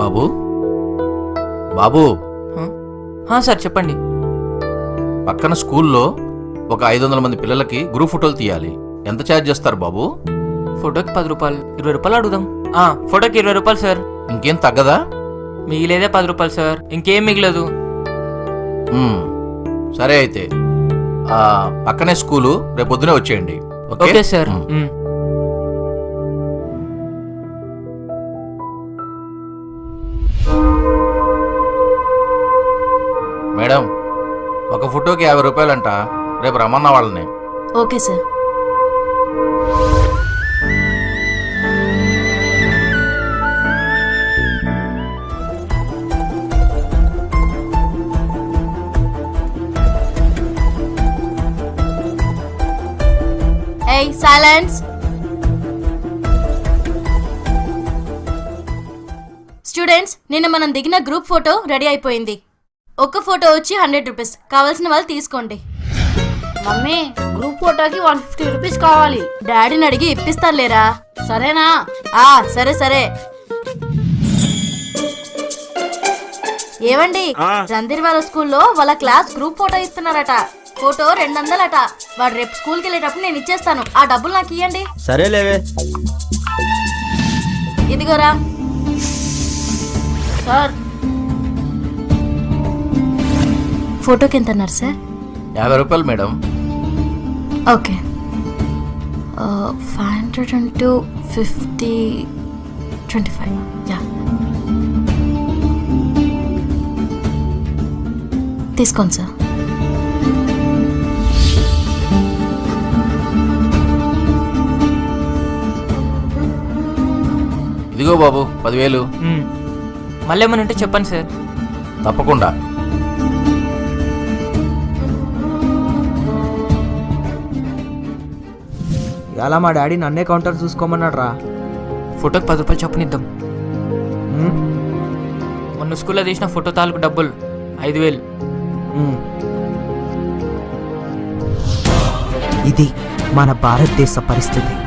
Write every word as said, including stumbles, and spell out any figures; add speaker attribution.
Speaker 1: బాబు బాబు
Speaker 2: హా సార్ చెప్పండి.
Speaker 1: పక్కన స్కూల్లో ఒక ఐదు వందల మంది పిల్లలకి గ్రూప్ ఫోటోలు తీయాలి. ఎంత ఛార్జ్ చేస్తారు బాబు?
Speaker 2: ఫోటోకి పది రూపాయలు, ఇరవై రూపాయలు అడుగుదాం. ఆ ఫోటోకి ఇరవై రూపాయలు సార్.
Speaker 1: ఇంకేం తగ్గదా?
Speaker 2: మిగిలేదే పది రూపాయలు సార్, ఇంకేం మిగలదు.
Speaker 1: మ్మ్. సరే అయితే ఆ పక్కనే స్కూలు, రేపు పొద్దునే వచ్చేయండి.
Speaker 2: Okay sir.
Speaker 1: మ్మ్.
Speaker 2: మ్మ్.
Speaker 1: మేడం, ఒక ఫోటోకి యాభై రూపాయలంట. రేపు రమ్మన్న వాళ్ళని.
Speaker 3: Okay sir. ఏయ్ సైలెన్స్. స్టూడెంట్స్, నిన్న మనం దిగిన గ్రూప్ ఫోటో రెడీ అయిపోయింది. ఒక్క ఫోటో వచ్చి హండ్రెడ్ రూపీస్. కావాల్సిన వాళ్ళు తీసుకోండి.
Speaker 4: మమ్మీ, గ్రూప్ ఫోటోకి వన్ ఫిఫ్టీ రూపీస్ కావాలి.
Speaker 3: డాడీని అడిగి ఇప్పిస్తాను లేరా?
Speaker 4: సరేనా?
Speaker 3: ఆ సరే సరే. ఏవండి, రంధీర్ వాళ్ళ స్కూల్లో వాళ్ళ క్లాస్ గ్రూప్ ఫోటో ఇస్తున్నారట. ఫోటో రెండు వందలట. వాడు రేపు స్కూల్కి వెళ్ళేటప్పుడు నేను ఇచ్చేస్తాను. ఆ డబ్బులు నాకు ఇవ్వండి.
Speaker 5: సరే లేవే.
Speaker 3: ఇదిగోరా.
Speaker 4: సార్,
Speaker 3: ఫోటోకి ఎంత అన్నారు సార్?
Speaker 1: యాభై రూపాయలు madam.
Speaker 3: Okay. Five hundred into fifty twenty five. Yeah, తీసుకోండి సార్.
Speaker 1: ఇదిగో బాబు పదివేలు.
Speaker 2: మ్మ్. మళ్ళీ ఏమైనా ఉంటే చెప్పండి సార్.
Speaker 1: తప్పకుండా.
Speaker 5: ఇలా మా డాడీ నన్నే కౌంటర్ చూసుకోమన్నాడు రా.
Speaker 2: ఫోటోకి పది రూపాయలు చొప్పునిద్దాం. మొన్న స్కూల్లో తీసిన ఫోటో తాలూకు డబ్బులు ఐదు వేలు.
Speaker 5: ఇది మన భారతదేశ పరిస్థితి.